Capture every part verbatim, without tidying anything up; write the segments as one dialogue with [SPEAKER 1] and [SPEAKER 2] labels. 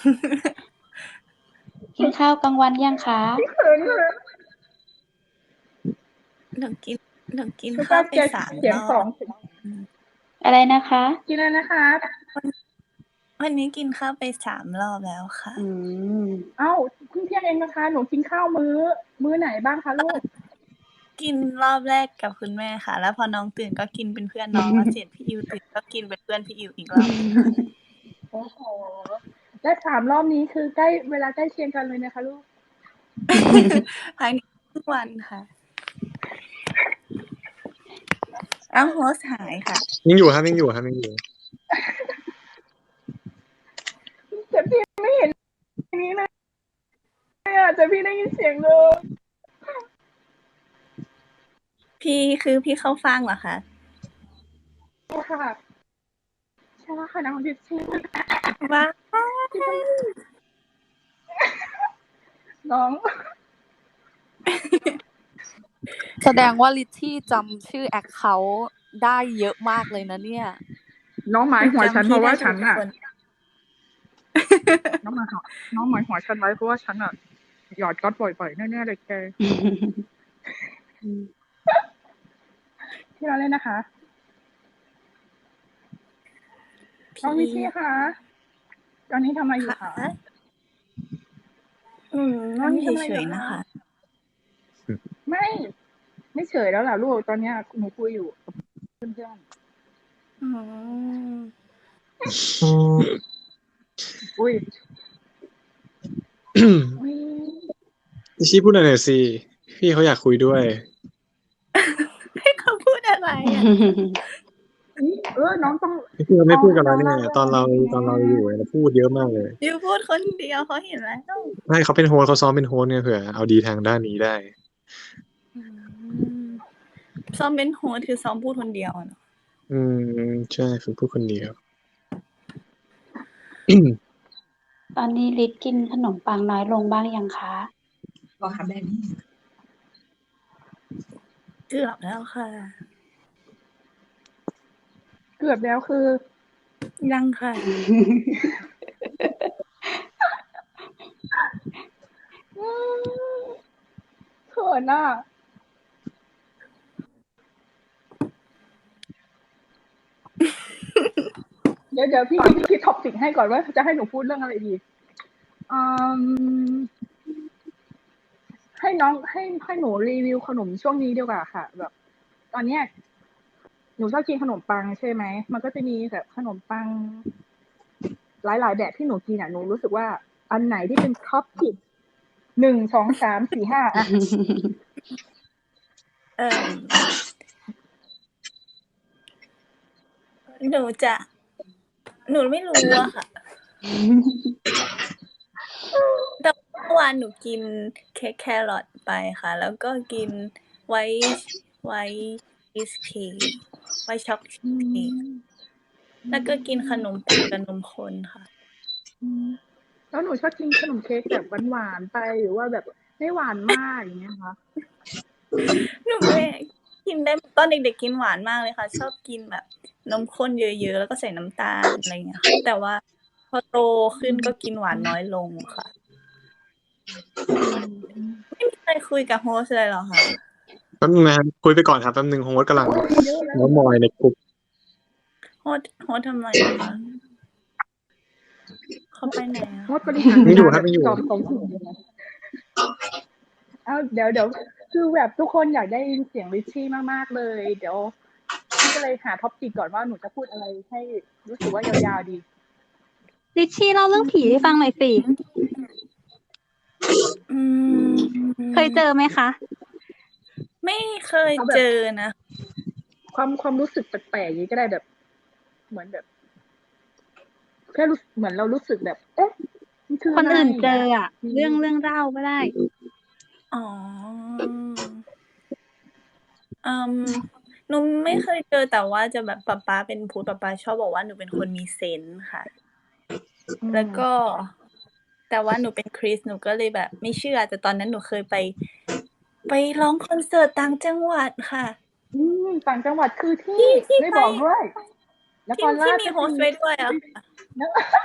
[SPEAKER 1] กินข้าวกลางวันยังคะ
[SPEAKER 2] เขินเลย
[SPEAKER 3] หนูกินหนูกินข้าวไปสามรอบ
[SPEAKER 1] อะไรนะคะ
[SPEAKER 2] กินอะไรนะคะ
[SPEAKER 3] วันนี้กินข้าวไปสามรอบแล้วค่ะ
[SPEAKER 1] อืม
[SPEAKER 2] เอ้าเพิ่งเที่ยงเองนะคะหนูกินข้าวมื้อมื้อไหนบ้างคะลูก
[SPEAKER 3] กินรอบแรกกับคุณแม่ค่ะ แล้วพอน้องตื่นก็กินเป็นเพื่อนน้องแล้วเสร็จพี่อิวตื่นก็กินเป็นเพื่อนพี่อิวอีกรอบ
[SPEAKER 2] โอ้โหและสามรอบนี้คือใกล้เวลาใกล้เคียงกันเลยนะคะลูก
[SPEAKER 3] ภายในทุกวันค่ะอ้าวโฮสหายค่ะ
[SPEAKER 4] ยังอยู่ครับยังอยู่ครับยังอยู่
[SPEAKER 2] แต่พี่ไม่เห็นอย่างนี้เลยอ่ะแต่พี่ได้ยินเสียงเลย
[SPEAKER 3] พี่คือพี่เข้าฟังเหรอคะ
[SPEAKER 2] ใช่ค่ะใช่ค่ะน้องดิชี่
[SPEAKER 3] ว้า
[SPEAKER 2] น้อง
[SPEAKER 5] แสดงว่าลิชชี่จำชื่อแอคเคาท์ได้เยอะมากเลยนะเนี่ย
[SPEAKER 2] น้องหมายหัวฉันเพราะว่าฉันอ่ะน้องหมายหัวน้องหมายหัวฉันไว้เพราะว่าฉันอ่ะหยอดก๊อตบ่อยๆแน่ๆเลยแกที่เราเล่นนะคะน้องวิชี่คะตอนนี้ทำอะไรอยู่คะ
[SPEAKER 3] อืมนั่งเฉยๆนะคะ
[SPEAKER 2] ไม่ไม่เฉยแล้วล่ะลูกตอนนี้หนูคุยอยู่กับเพื่อนๆอืมอุ้ย
[SPEAKER 4] ดิชี่พูดหน่อยสิพี่เขาอยากคุยด้วย
[SPEAKER 3] ให้เขาพูดอะไรอ่ะ
[SPEAKER 2] เออน้องต้อง
[SPEAKER 4] พี่เราไม่พูดกับเราเนี่ยตอนเราตอนเราอยู่เราพูดเยอะมากเลย
[SPEAKER 3] ยูพูดคนเดียวเขาเห็นแล้ว
[SPEAKER 4] ไม่เขาเป็นโฮสเขาซ้อมเป็นโฮสเนี่ยเผื่อเอาดีทางด้านนี้ได้
[SPEAKER 3] ซ้อมเป็นโฮสคือซ้อมพูดคนเดียวเนาะ
[SPEAKER 4] อืมใช่ฝึกพูดคนเดียว
[SPEAKER 1] ตอนนี้ลิศกินขนมปังน้อยลงบ้างยังคะ
[SPEAKER 2] บอกค่ะแม่
[SPEAKER 3] เกือบแล้วค่ะ
[SPEAKER 2] เกือบแล้วคือ
[SPEAKER 3] ยังค่ะ
[SPEAKER 2] เขินอ่ะเดี๋ยวเดี๋ยวพี่พี่คิดท็อปปิกให้ก่อนว่าจะให้หนูพูดเรื่องอะไรดีอืมให้น้องให้ให้หนูรีวิวขนมช่วงนี้ดีกว่าค่ะแบบตอนเนี้ยหนูชอบกินขนมปังใช่ไหมมันก็จะมีแบบขนมปังหลายๆแบบที่หนูกินอ่ะหนูรู้สึกว่าอันไหนที่เป็นท็อปปิกหนึ่งสองสามสี่ห้าอ่ะ
[SPEAKER 3] เออหนูจะหนูไม่รู้อะค่ะแต่เมื่อวานหนูกินเค้กแครอทไปค่ะแล้วก็กินไวท์ไวท์ชีสเค้กไวท์ช็อกชีสเค้กแล้วก็กินขนมปังกับนมข้นค่ะ
[SPEAKER 2] แล้วหนูชอบกินขนมเค้กแบบหวานๆไปหรือว่าแบบไม่หวานมากอย่างเงี้ยคะ
[SPEAKER 3] หนูไม่กินได้ตอนเด็กๆกินหวานมากเลยค่ะชอบกินแบบนมข้นเยอะๆแล้วก็ใส่น้ำตาลอะไรเงี้ยค่ะแต่ว่าพอโตขึ้นก็กินหวานน้อยลงค่ะไม่มีใครคุยกับโฮสเลยเหรอคะ
[SPEAKER 4] แป๊บนึงนะคุยไปก่อนครับแป๊บนึงโฮสกำลังน้องมอยในกลุ่ม
[SPEAKER 3] โฮสโฮสทำอะไรคะเขาไปไหนอ่ะ
[SPEAKER 2] โฮสบริหาร
[SPEAKER 4] ไม่อยู่ครับไม่อยู่
[SPEAKER 2] เอาเดี๋ยวเดี๋ยวคือแบบทุกคนอยากได้ยินเสียงริชชี่มากๆเลยเดี๋ยวพี่ก็เลยหาท็อปปิกก่อนว่าหนูจะพูดอะไรให้รู้สึกว่ายาวๆดี
[SPEAKER 5] ลิชชี่เล่าเรื่องผีให้ฟังหน่อยสิเคยเจอไหมคะ
[SPEAKER 3] ไม่เคยเจอนะ
[SPEAKER 2] ความความรู้สึกแปลกๆนี้ก็ได้แบบเหมือนแบบแค่รู้เหมือนเรารู้สึกแบบเอ๊ะ
[SPEAKER 5] คนอื่นเจออ่ะเรื่องเรื่องเล่าก็ได้
[SPEAKER 3] อ๋ออืมหนูไม่เคยเจอแต่ว่าจะแบบป๊าป๊าเป็นพูดป๊าป๊าชอบบอกว่าหนูเป็นคนมีเซนส์ค่ะแล้วก็แต่ว่าหนูเป็นคริสหนูก็เลยแบบไม่เชื่อแต่ตอนนั้นหนูเคยไปไปร้องคอนเสิร์ตต่างจังหวัดค่ะ
[SPEAKER 2] อืมต่างจังหวัดคือที่ไม่บอกด้วย
[SPEAKER 3] แล้วตอนที่มีโฮสต์ไว้ด้วยอ่ะ
[SPEAKER 2] แล้วก็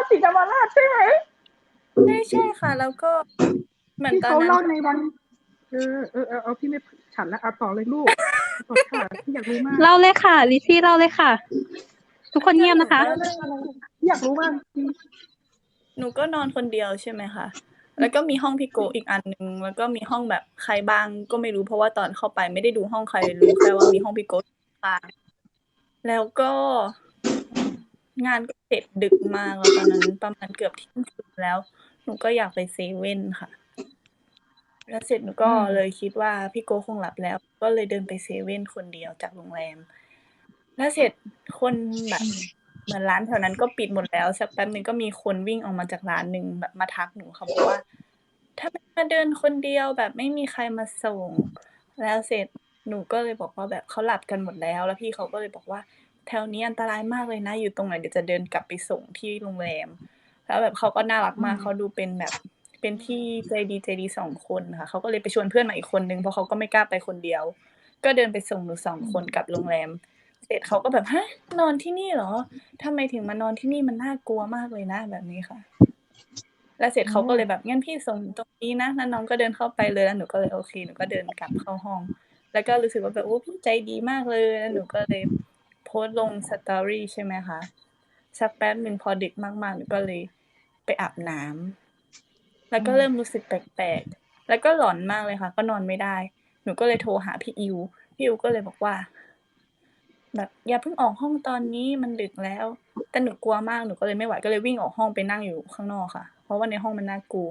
[SPEAKER 2] ศรีธรรมราชใช่ไหม
[SPEAKER 3] ใช่ใช่ค่ะ แล้วก็เหมือน
[SPEAKER 2] ที่
[SPEAKER 3] ตอนนั้น
[SPEAKER 2] เขาเล่าในวันเออเออเออเอาพี่ไม่ฉันแล้วเอาต่อเลยลูกต่อค่ะพี่อยากรู้มาก
[SPEAKER 1] เล่าเลยค่ะลิชี่เล่าเลยค่ะ ทุกคนเงียบนะคะ
[SPEAKER 2] เล่าเรื่องอะไรพี่อยากรู้มากจริง
[SPEAKER 3] หนูก็นอนคนเดียวใช่ไหมคะ แล้วก็มีห้องพี่โกอีกอันนึง แล้วก็มีห้องแบบใครบ้างก็ไม่รู้เพราะว่าตอนเข้าไปไม่ได้ดูห้องใครรู้แค่ว่ามีห้องพี่โกบ้างแล้วก็งานก็เสร็จดึกมากแล้วตอนนั้นประมาณเกือบเที่ยงคืนแล้ว หนูก็อยากไปเซเว่นค่ะ แล้วเสร็จหนูก็เลยคิดว่าพี่โกคงหลับแล้ว ก็เลยเดินไปเซเว่นคนเดียวจากโรงแรม แล้วเสร็จคนแบบเหมือนร้านแถวนั้นก็ปิดหมดแล้วสักแป๊บนึงก็มีคนวิ่งออกมาจากร้านนึงแบบมาทักหนูค่ะบอกว่าทำไมมาเดินคนเดียวแบบไม่มีใครมาส่ง แล้วเสร็จหนูก็เลยบอกว่าแบบเขาหลับกันหมดแล้ว แล้วพี่เขาก็เลยบอกว่าแถวนี้อันตรายมากเลยนะอยู่ตรงไหนเดี๋ยวจะเดินกลับไปส่งที่โรงแรม แล้วแบบเขาก็น่ารักมากเขาดูเป็นแบบเป็นพี่ใจดีใจดีสองคนค่ะเขาก็เลยไปชวนเพื่อนมาอีกคนนึงเพราะเขาก็ไม่กล้าไปคนเดียว ก็เดินไปส่งหนูสองคนกลับโรงแรม เสร็จเขาก็แบบฮะนอนที่นี่เหรอทำไมถึงมานอนที่นี่มันน่ากลัวมากเลยนะแบบนี้ค่ะ แล้วเสร็จเขาก็เลยแบบงั้นพี่ส่งตรงนี้นะแล้วน้องก็เดินเข้าไปเลยแล้วหนูก็เลยโอเคหนูก็เดินกลับเข้าห้อง แล้วก็รู้สึกว่าแบบโอ้พี่ใจดีมากเลยแล้วหนูก็เลยโพสต์ลงสตอรี่ใช่ไหมคะสักแป๊บหนึ่งพอดึกมากๆหนูก็เลยไปอาบน้ำแล้วก็เริ่มรู้สึกแปลกๆแล้วก็หลอนมากเลยค่ะ ก็นอนไม่ได้ หนูก็เลยโทรหาพี่อิวพี่อิวก็เลยบอกว่า แบบอย่าเพิ่งออกห้องตอนนี้มันดึกแล้ว แต่หนูกลัวมากหนูก็เลยไม่ไหวก็เลยวิ่งออกห้องไปนั่งอยู่ข้างนอกค่ะ เพราะว่าในห้องมันน่ากลัว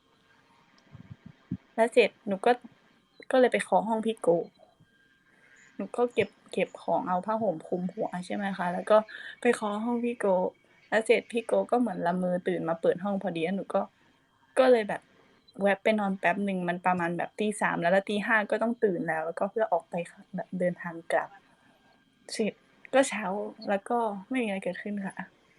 [SPEAKER 3] แล้วเสร็จหนูก็ก็เลยไปเคาะห้องพี่โกหนูก็เก็บเก็บของเอาผ้าห่มคลุมหัวใช่ไหมคะแล้วก็ไปเคาะห้องพี่โกแล้วเสร็จพี่โกก็เหมือนละเมอตื่นมาเปิดห้องพอดีแล้วหนูก็ก็เลยแบบแวบไปนอนแป๊บหนึ่งมันประมาณแบบตีสามแล้วแล้วตีห้าก็ต้องตื่นแล้ว แล้วก็เพื่อออกไปแบบเดินทางกลับเสร็จก็เช้าแล้วก็ไม่มีอะไรเกิดขึ้นค่ะ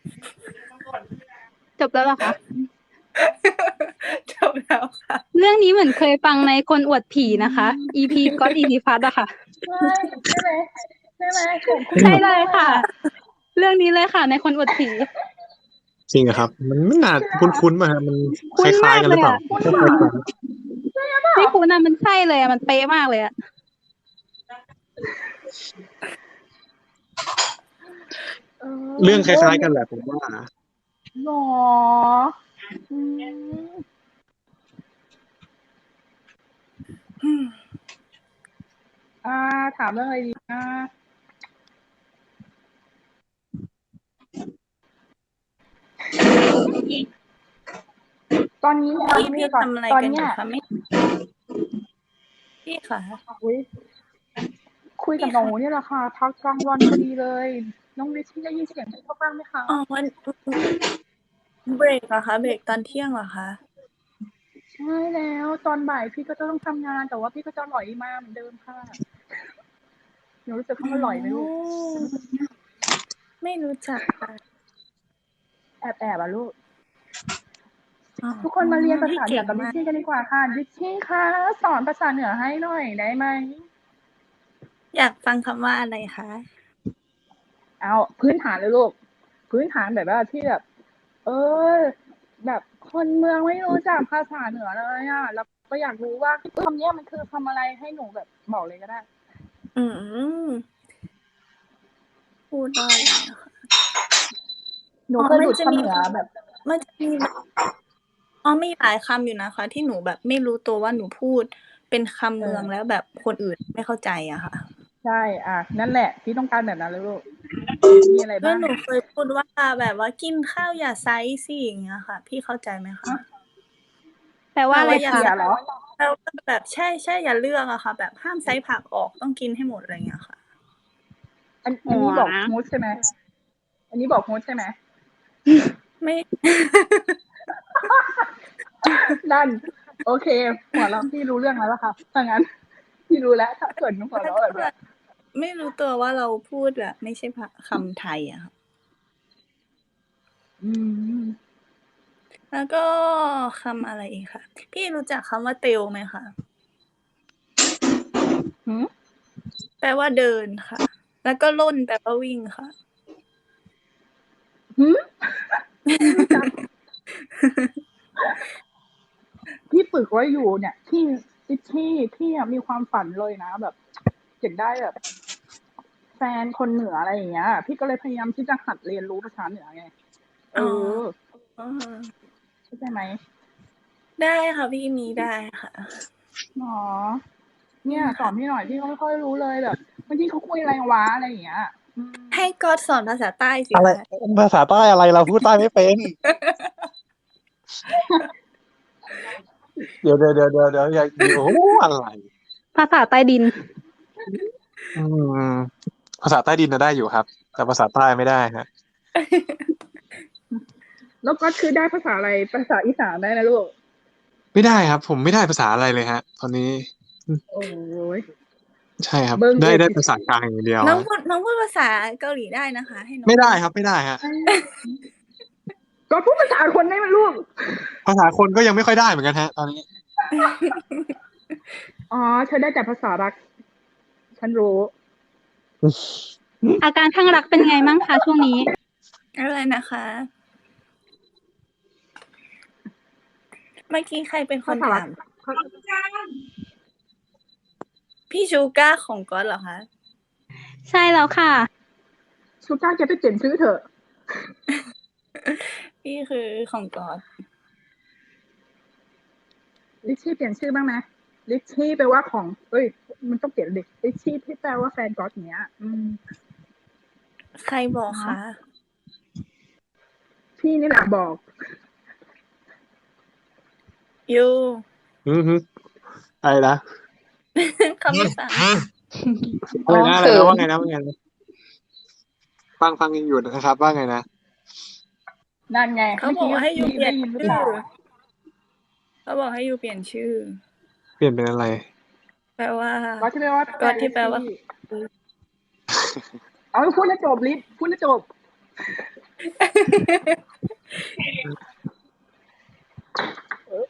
[SPEAKER 1] จบแล้วเหรอคะ
[SPEAKER 3] จบแล้วค่ะ
[SPEAKER 1] เรื่องนี้เหมือนเคยฟังในคนอวดผีนะคะ อี พี ก็อี พี พัดอะค่ะ
[SPEAKER 2] ใช่ใช่ไหมใช่ไหมผมคุณ
[SPEAKER 1] ใช่เลยค่ะ เรื่องนี้เลยค่ะ ในคนอวดผี
[SPEAKER 4] จริงเหรอครับ มันไม่น่าคุ้นๆมาฮะมันค
[SPEAKER 1] คุ้น
[SPEAKER 4] ล้าย
[SPEAKER 1] มาก
[SPEAKER 4] ๆกันห
[SPEAKER 1] เล
[SPEAKER 4] รือย เปล่า
[SPEAKER 1] อะ
[SPEAKER 2] คุณหรือเปล่า
[SPEAKER 1] ไม่คุ้นอะมันใช่เลยอะมันเป๊ะมากเลยอะ
[SPEAKER 2] เอ
[SPEAKER 4] เรื่องคล้ายๆกันแหละผมว่า
[SPEAKER 2] หรออืมอ่า ถามเรื่องอะไรดีนะตอนนี้เอา
[SPEAKER 3] พี่
[SPEAKER 2] งี้
[SPEAKER 3] พี่
[SPEAKER 2] ก่อน
[SPEAKER 3] ทำอะไร
[SPEAKER 2] ตอน
[SPEAKER 3] กันอ
[SPEAKER 2] เนี้ย
[SPEAKER 3] ยู่คะไม่พี่ค่ะ
[SPEAKER 2] อุ๊ยคุยกับ
[SPEAKER 3] พี่
[SPEAKER 2] หนู
[SPEAKER 3] ค่ะ
[SPEAKER 2] เนี่ยแหละค่ะ พักกลางวันพอดีเลย น้อง Richie ได้ยินเสียงเขาบ้างไหมคะ?
[SPEAKER 3] อ๋อ วัน เบรกเหรอคะ เบรกตอนเที่ยงเหรอคะ?
[SPEAKER 2] ใช่แล้ว ตอนบ่ายพี่ก็จะต้องทำงาน แต่ว่าพี่ก็จะหรอยมาเหมือนเดิมค่ะ หนูรู้จัก
[SPEAKER 3] อ๋
[SPEAKER 2] คำว่าหรอยไหมลูก?
[SPEAKER 3] อ ไม่รู้จักค่ะ
[SPEAKER 2] แอบ ๆ อะลูก
[SPEAKER 3] อ๋อ
[SPEAKER 2] ทุกคนมาเรียนภา
[SPEAKER 3] พี่
[SPEAKER 2] ษา
[SPEAKER 3] เก
[SPEAKER 2] เหนื
[SPEAKER 3] ่
[SPEAKER 2] อง กับ
[SPEAKER 3] มาก
[SPEAKER 2] Richie กันดีกว่าค่ะ Richie คะ สอนภาษาเหนือให้หน่อยได้ไหม?
[SPEAKER 3] อยากฟังคำว่าอะไรคะ?
[SPEAKER 2] เอา พื้นฐานเลยลูก พื้นฐานแบบว่าที่แบบ เออ แบบคนเมืองไม่รู้จักภาษาเหนือเลยอะ แล้วก็อยากรู้ว่า คำเนี้ยมันคือคำอะไร? ให้หนูแบบบอกเลยก็ได้
[SPEAKER 3] อืม พูดว่าอะไรอะคะ?
[SPEAKER 2] หนู
[SPEAKER 3] อ๋อ
[SPEAKER 2] เคย
[SPEAKER 3] มั
[SPEAKER 2] หลุด
[SPEAKER 3] จะ
[SPEAKER 2] คำ
[SPEAKER 3] มี
[SPEAKER 2] เหนือแบบ
[SPEAKER 3] มันจะมีแบบ อ๋อ มีหลายคำอยู่นะคะ ที่หนูแบบไม่รู้ตัวว่าหนูพูดเป็นคำ
[SPEAKER 2] เ
[SPEAKER 3] เมือง
[SPEAKER 2] ออ
[SPEAKER 3] แล้วแบบคนอื่นไม่เข้าใจอะค่ะ
[SPEAKER 2] ใช่ อา นั่นแหละ พี่ต้องการแบบนั้นเลยลูก มีอะไร
[SPEAKER 3] ก็
[SPEAKER 2] บ้าง?
[SPEAKER 3] หนูเคยพูดว่าแบบว่า "กินข้าวอย่าไซซ์สิ" อย่างเงี้ยค่ะ พี่เข้าใจไหมคะ?
[SPEAKER 2] ฮะ?
[SPEAKER 1] แปลว่าอะไร
[SPEAKER 3] แปลว่าอย่า
[SPEAKER 1] คะ?
[SPEAKER 2] เขี่ยเหรอ?
[SPEAKER 3] แปลว่าแบบ ใช่ ๆ อย่าเลือกอะค่ะ แบบห้ามไซซ์ผักออก ต้องกินให้หมด อะไรเงี้ยค่ะ
[SPEAKER 2] อัน
[SPEAKER 1] อ
[SPEAKER 2] อั
[SPEAKER 1] ๋
[SPEAKER 2] นนี้บอก
[SPEAKER 1] อ
[SPEAKER 2] มูด ใช่ไหม? อันนี้บอก มูด ใช่ไหม?
[SPEAKER 3] ไม่
[SPEAKER 2] นั่น โอเค หัวเราะ พี่รู้เรื่องแล้วล่ะค่ะ ถ้างั้น พี่รู้แล้ว ถ้าเกิดหนูหัว
[SPEAKER 3] แล้
[SPEAKER 2] เรา
[SPEAKER 3] ว
[SPEAKER 2] ะแ
[SPEAKER 3] ก
[SPEAKER 2] บ็บเ
[SPEAKER 3] แ
[SPEAKER 2] นี
[SPEAKER 3] บ้
[SPEAKER 2] ย
[SPEAKER 3] บไม่รู้ตัวว่าเราพูดแบบไม่ใช่ภา คำไทยอะค่ะ
[SPEAKER 2] อืม
[SPEAKER 3] แล้วก็คำอะไรอีกคะ พี่รู้จักคำว่า เตล ไหมคะ?
[SPEAKER 2] หือ?
[SPEAKER 3] แปลว่าเดินค่ะ แล้วก็ร่น แปลว่าวิ่งค่ะ
[SPEAKER 2] หือ? ไม่รู้จัก ที่ฝึกไว้อยู่เนี่ยที่ที่ที่อะมีความฝันเลยนะแบบอยากได้แบบ แฟนคนเหนืออะไรอย่างเงี้ย พี่ก็เลยพยายามที่จะหัดเรียนรู้ภาษาเหนือไง เอ
[SPEAKER 3] อ๋อ
[SPEAKER 2] อ
[SPEAKER 3] อ๋อ
[SPEAKER 2] เข้าใจไหม
[SPEAKER 3] ได้ค่ะพี่มีได้ค่ะ
[SPEAKER 2] อ๋อ
[SPEAKER 3] อื
[SPEAKER 2] เนี่ย
[SPEAKER 3] ม
[SPEAKER 2] สอ
[SPEAKER 3] ค่ะ
[SPEAKER 2] นพี่หน่อยพี่ก็ไม่ค่อยรู้เลยแบบบางทีเขาคุยอะไรวะอะไรอย่างเงี้ย อืม
[SPEAKER 3] ให้ก๊อตสอนภาษาใต้สิ
[SPEAKER 4] อะไร
[SPEAKER 3] คะ
[SPEAKER 4] ภาษาใต้อะไรเราพูดใต้ไม่เป็น เดี๋ยวเดี๋ยวเดี๋ยวเดี๋ยวเดี๋ยวอย่าเดี๋ยวโอ้อะไร
[SPEAKER 1] ภาษาใต้ดิน
[SPEAKER 4] อืมภาษาใต้ดินน่ะได้อยู่ครับ แต่ภาษาใต้ไม่ได้ฮะ
[SPEAKER 2] แล้วก็คือได้ภาษาอะไรภาษาอีสานได้นะลูก
[SPEAKER 4] ไม่ได้ครับ ผมไม่ได้ภาษาอะไรเลยฮะ ตอนนี้
[SPEAKER 2] โอ้ย
[SPEAKER 4] ใช่ครับ
[SPEAKER 2] เบิ่ง
[SPEAKER 4] ได้
[SPEAKER 2] เอ็ด
[SPEAKER 4] ได้ภาษากลางอย่างเดียว
[SPEAKER 3] น้อง
[SPEAKER 4] ฮะ
[SPEAKER 3] พูดน้องพูดภาษาเกาหลีได้นะคะ ให้น้อง
[SPEAKER 4] ไม่ได้
[SPEAKER 3] พูด
[SPEAKER 4] ครับ ไม่ได้ฮะ
[SPEAKER 2] ก็พูดภาษาคนได้ไหมลูก
[SPEAKER 4] ภาษาคนก็ยังไม่ค่อยได้เหมือนกันฮะ ตอนนี้
[SPEAKER 2] อ๋อ เธอได้แต่ภาษารัก ฉันรู้
[SPEAKER 1] อาการข้างรักเป็นไงมั่งคะช่วงนี้
[SPEAKER 3] อะไรนะคะ เมื่อกี้ใครเป็นค
[SPEAKER 2] ภาน ษารั
[SPEAKER 3] ถาก ม พี่ชูก้าของก๊อตเหรอคะ?
[SPEAKER 1] ใช่แล้วค่ะ
[SPEAKER 2] ชูก้าแกไปเปลี่ยนชื่อเถอะ
[SPEAKER 3] พี่คือของก๊อต
[SPEAKER 2] ลิชชี่เปลี่ยนชื่อบ้างไหมลิชชี่แปลว่าของเอ้ย มันต้องเปลี่ยนดิลิชชี่ที่แปลว่าแฟนก๊อตอย่างเงี้ย อืม
[SPEAKER 3] ใครบอก
[SPEAKER 2] เนาะ
[SPEAKER 3] คะ?
[SPEAKER 2] พี่นี่แหละบอก
[SPEAKER 3] ยู
[SPEAKER 4] อือฮึ อะไรนะ?
[SPEAKER 3] เขาไม่ฟัง
[SPEAKER 4] อะ ไร
[SPEAKER 5] น้อง
[SPEAKER 4] นะ อะ
[SPEAKER 5] เข
[SPEAKER 4] ไรนะ
[SPEAKER 5] ิ
[SPEAKER 4] ว่าน ไงนะ ว่าไงนะ? ฟัง ฟังอยู่นะครับ ว่าไงนะ?
[SPEAKER 2] นั่นไง
[SPEAKER 3] เขา
[SPEAKER 2] เมื่อบ
[SPEAKER 3] อ
[SPEAKER 2] กี้
[SPEAKER 3] กให้ยูเปลี่
[SPEAKER 2] ได
[SPEAKER 3] ย้ น
[SPEAKER 2] ยินหรือ
[SPEAKER 3] ชื่
[SPEAKER 2] เป
[SPEAKER 3] อ
[SPEAKER 2] ล่า?
[SPEAKER 3] เขาบอกให้ยูเปลี่ยนชื่อ
[SPEAKER 4] เปลี่ยนเป็นอะไร?
[SPEAKER 3] แปลว่า
[SPEAKER 2] ก๊อตที่แปลว่า
[SPEAKER 3] ก๊อต
[SPEAKER 2] แฟน
[SPEAKER 3] ที่แปลว่า
[SPEAKER 2] ลิชชี่ เอา พูดให้จบ ลิช พูดให้จบ เออ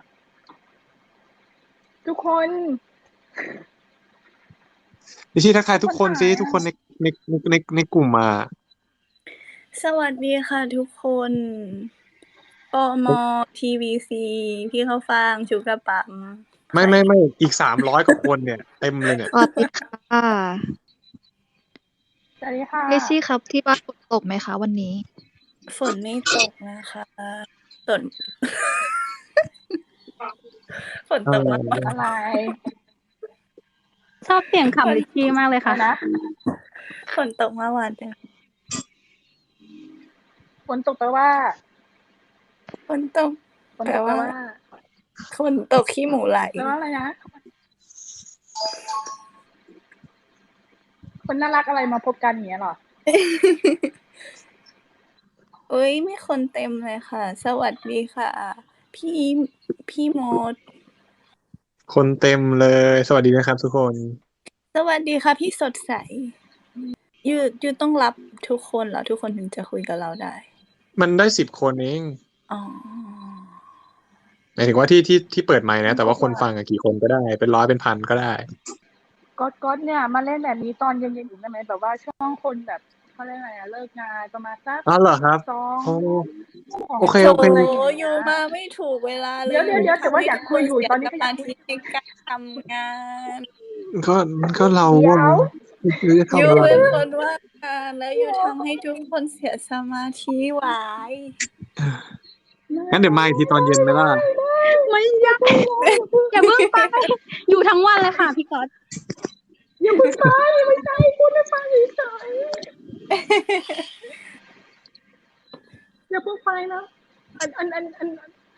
[SPEAKER 2] ทุกคน
[SPEAKER 4] ลิชชี่ทักทายทุกคน
[SPEAKER 2] คนหา
[SPEAKER 4] สิ ทุกคนใน ใน ใน ในกลุ่มอะ
[SPEAKER 3] สวัสดีค่ะทุกคน ปม. ที วี ซี พี่ข้าวฟ่าง ชูกระป๋ำ
[SPEAKER 4] ไม่
[SPEAKER 3] ใคร
[SPEAKER 4] ๆ ๆ อีก สามร้อย กว่าคนเนี่ย เต็มเลยเนี่ย
[SPEAKER 5] สวัสดีค่ะ
[SPEAKER 2] สวัสดีค่ะ
[SPEAKER 5] ลิชชี่ครับ ที่บ้านฝนตกไหมคะวันนี้?
[SPEAKER 3] ฝนไม่ตกนะคะ ฝน ฝน
[SPEAKER 4] อะ
[SPEAKER 3] ตก
[SPEAKER 4] ไร
[SPEAKER 3] มาก
[SPEAKER 2] อะไร
[SPEAKER 1] ชอบเสียงขำลิชชี่มากเลย
[SPEAKER 2] อะ
[SPEAKER 1] ค่ะ
[SPEAKER 2] ไรนะ?
[SPEAKER 3] ฝนตกเมื่อวานจ้ะ
[SPEAKER 2] ฝนตกแปลว่า?
[SPEAKER 3] ฝนตก
[SPEAKER 2] ฝน
[SPEAKER 3] แปล
[SPEAKER 2] ตก แป
[SPEAKER 3] ว
[SPEAKER 2] ล่
[SPEAKER 3] า
[SPEAKER 2] ว่า?
[SPEAKER 3] ฝนตกขี้หมูไหล
[SPEAKER 2] แปลว่าอะไรนะ? คนน่ารักอะไรมาพบกัน อย่างเงี้ยเหรอ?
[SPEAKER 3] อุ๊ย มีคนเต็มเลยค่ะ สวัสดีค่ะ พี่ พี่มด
[SPEAKER 4] คนเต็มเลย สวัสดีนะครับทุกคน
[SPEAKER 3] สวัสดีค่ะพี่สดใส ยู ยูต้องรับทุกคนเหรอ? ทุกคนถึงจะคุยกับเราได้
[SPEAKER 4] มันได้ สิบ คนเอง
[SPEAKER 3] อ๋อ
[SPEAKER 4] หมายถึงว่าที่ ที่ ที่เปิดไมค์นะ แต่ว่า
[SPEAKER 2] บ
[SPEAKER 4] คนฟังอะกี่คนก็ได้ เป็น ร้อย เป็น พัน ก็ได้
[SPEAKER 2] ก๊อต ก๊อตเนี่ยมาเล่นแบบนี้ตอนเย็น ๆ อีกได้ไหม? แบบว่าช่วงคนแบบ เขาเรียกอะไรอะ เลิกงานประมาณสัก
[SPEAKER 4] อ้าว เหรอครับ?
[SPEAKER 2] สอง
[SPEAKER 4] อ๋อ
[SPEAKER 2] สอง
[SPEAKER 4] โอเค
[SPEAKER 3] โถ
[SPEAKER 4] ๆ
[SPEAKER 2] อะไรอย่างเงี้
[SPEAKER 3] ยู
[SPEAKER 2] ย
[SPEAKER 3] มาไม่ถูกเวลาเล
[SPEAKER 2] เดี๋
[SPEAKER 3] ย
[SPEAKER 2] ยว
[SPEAKER 3] ยู
[SPEAKER 2] ๆ ๆ แต่
[SPEAKER 3] ทำ
[SPEAKER 2] ว่า
[SPEAKER 3] ให้
[SPEAKER 2] อยา
[SPEAKER 3] ทุ
[SPEAKER 2] ก
[SPEAKER 3] ก
[SPEAKER 2] ค
[SPEAKER 3] คุ
[SPEAKER 2] ย
[SPEAKER 3] น
[SPEAKER 2] อยู่
[SPEAKER 3] เสีย
[SPEAKER 2] ตอนนี
[SPEAKER 3] ส้
[SPEAKER 2] ก็อ
[SPEAKER 3] ม
[SPEAKER 2] ยา
[SPEAKER 3] าก
[SPEAKER 2] คุ
[SPEAKER 3] ธิ
[SPEAKER 2] ย
[SPEAKER 3] ในการทำงาน
[SPEAKER 4] ก็ ก็เรา
[SPEAKER 2] เดี๋
[SPEAKER 4] ก็
[SPEAKER 2] ยว
[SPEAKER 4] ไม่รู้จะท
[SPEAKER 3] ยู
[SPEAKER 4] ำอะไร
[SPEAKER 3] เป็นคนว่างงาน แล้วยูทำให้ทุกคนเสียสมาธิหวาย
[SPEAKER 4] งั้นเดี๋ยวมาอีกทีตอนเย็นไหมล่ะ?
[SPEAKER 1] ไม่
[SPEAKER 2] อย่าเพิ่งนะ
[SPEAKER 1] อย่าเพิ่งไป อยู่ทั้งวันเลยค่ะพี่ก๊อต
[SPEAKER 2] อย่าเพิ่งไป ไม่ใช่ พูดให้ฟังเฉย ๆ อย่าเพิ่งไปนะ อัน อัน อัน อัน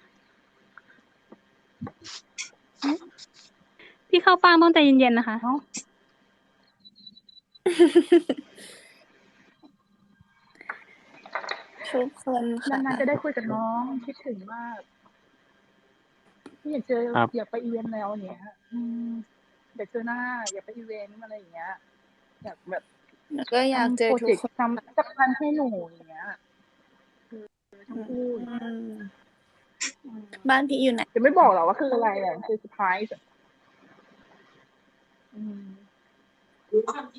[SPEAKER 2] หือ?
[SPEAKER 1] พี่ข้าวฟ่างต้องใจเย็น ๆ นะคะ
[SPEAKER 2] อ้าว
[SPEAKER 3] ทุกคนค่ะ
[SPEAKER 2] นาน ๆ จะได้คุยกับน้อง คิดถึงมาก พี่อยากเจอ
[SPEAKER 4] ครับ
[SPEAKER 2] อยากไปอีเวนต์แล้ว อย่างเงี้ย อืม อยากเจอหน้า อยากไปอีเวนต์ อะไรอย่างเงี้ย อยากแบบ
[SPEAKER 3] หนูก็อยากเจ
[SPEAKER 2] ทำพรอ
[SPEAKER 3] อทุ
[SPEAKER 2] เจ
[SPEAKER 3] ก
[SPEAKER 2] กต
[SPEAKER 3] ค์น
[SPEAKER 2] ทำ สักพันให้หนู อย่างเงี้ย เออ ทั้
[SPEAKER 3] อื
[SPEAKER 2] งคู่
[SPEAKER 3] ม
[SPEAKER 2] อืม
[SPEAKER 3] บ้านพี่อยู่ไหน?
[SPEAKER 2] แต่ไม่บอกหรอกว่าคืออะไรอะ คือเซอร์ไพรส์อะ อืม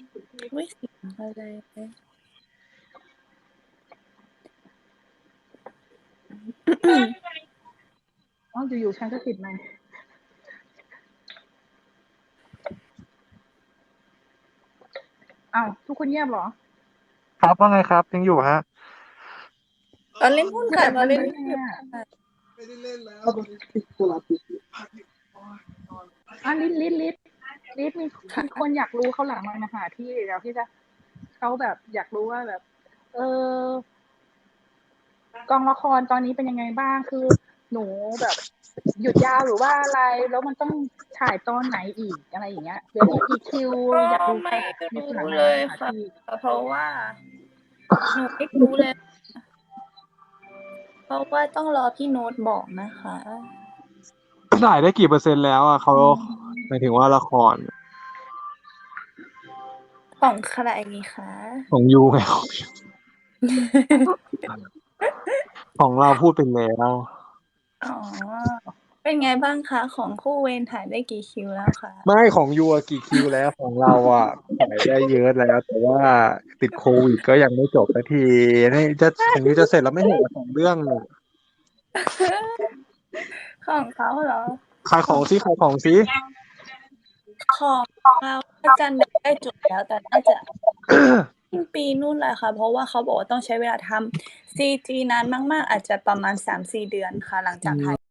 [SPEAKER 3] อุ๊ย เสียงอะไร
[SPEAKER 2] อ๋ออยู่ๆฉันก็ติดมันอ้าวทุกคนเงียบเหรอ
[SPEAKER 4] ครับว่าไงครับยังอยู่ฮะ
[SPEAKER 3] เราเล่นหุ้น
[SPEAKER 2] คือ
[SPEAKER 3] ค่ะ
[SPEAKER 2] แบบ
[SPEAKER 3] เรา
[SPEAKER 2] มัน
[SPEAKER 3] เล่น
[SPEAKER 2] ไม่
[SPEAKER 3] หุ้น
[SPEAKER 2] ไง
[SPEAKER 3] อยู่
[SPEAKER 2] อ่ะ
[SPEAKER 3] ค่ะ
[SPEAKER 2] อ่ะลิศลิศลิศลิศมี
[SPEAKER 3] ค่ะ
[SPEAKER 2] มีคนอยากรู้เขาหลังไมค์มาหาพี่เดี๋ยวพี่จะเขาแบบอยากรู้ว่าแบบ เออกองละครตอนนี้เป็นยังไงบ้างคือหนูแบบหยุดยาวหรือว่าอะไร แล้วมันต้องถ่ายตอนไหนอีกอะไรอย่างเงี้ยเดี๋ยวอีกกี่คิว
[SPEAKER 3] ก็
[SPEAKER 2] อยากรู้
[SPEAKER 3] ไม่
[SPEAKER 2] ค่ะมีคนหลั
[SPEAKER 3] รู้
[SPEAKER 2] งไม
[SPEAKER 3] เล
[SPEAKER 2] ค์
[SPEAKER 3] ย
[SPEAKER 2] มาหา
[SPEAKER 3] ค่ะ
[SPEAKER 2] พี่
[SPEAKER 3] เพราะว่า หนูไม่รู้เลย เพราะว่าต้องรอพี่โน้ตบอกนะคะ
[SPEAKER 4] ถ่ายได้กี่เปอร์เซ็นต์แล้วอ่ะเขา
[SPEAKER 2] อืม
[SPEAKER 4] หมายถึงว่าละคร
[SPEAKER 3] ของใครคะ
[SPEAKER 4] ของยูไง ของเราพูดไปแล้ว
[SPEAKER 3] อ๋อ เป็นไงบ้างคะ ของคู่เวรถ่ายได้กี่คิวแล้วคะ
[SPEAKER 4] ไม่ของยูอะกี่คิวแล้วของเราอ่ะถ่ายได้เยอะแล้ว แต่ว่าติดโควิดก็ยังไม่จบสักทีนี่จะของยูจะเสร็จแล้วไม่เห็นสองเรื่องเนี่ย
[SPEAKER 3] ของเขาเหรอ
[SPEAKER 4] ขายของซิขายของซิ
[SPEAKER 3] ของเราน่าจะใกล้จบแล้ว แต่น่าจะ สิ้นปีนู่นแหละค่ะ เพราะว่าเขาบอกว่าต้องใช้เวลาทำ ซี จี นานมาก ๆ อาจจะประมาณ สามสี่ เดือนค่ะ หลังจากถ่าย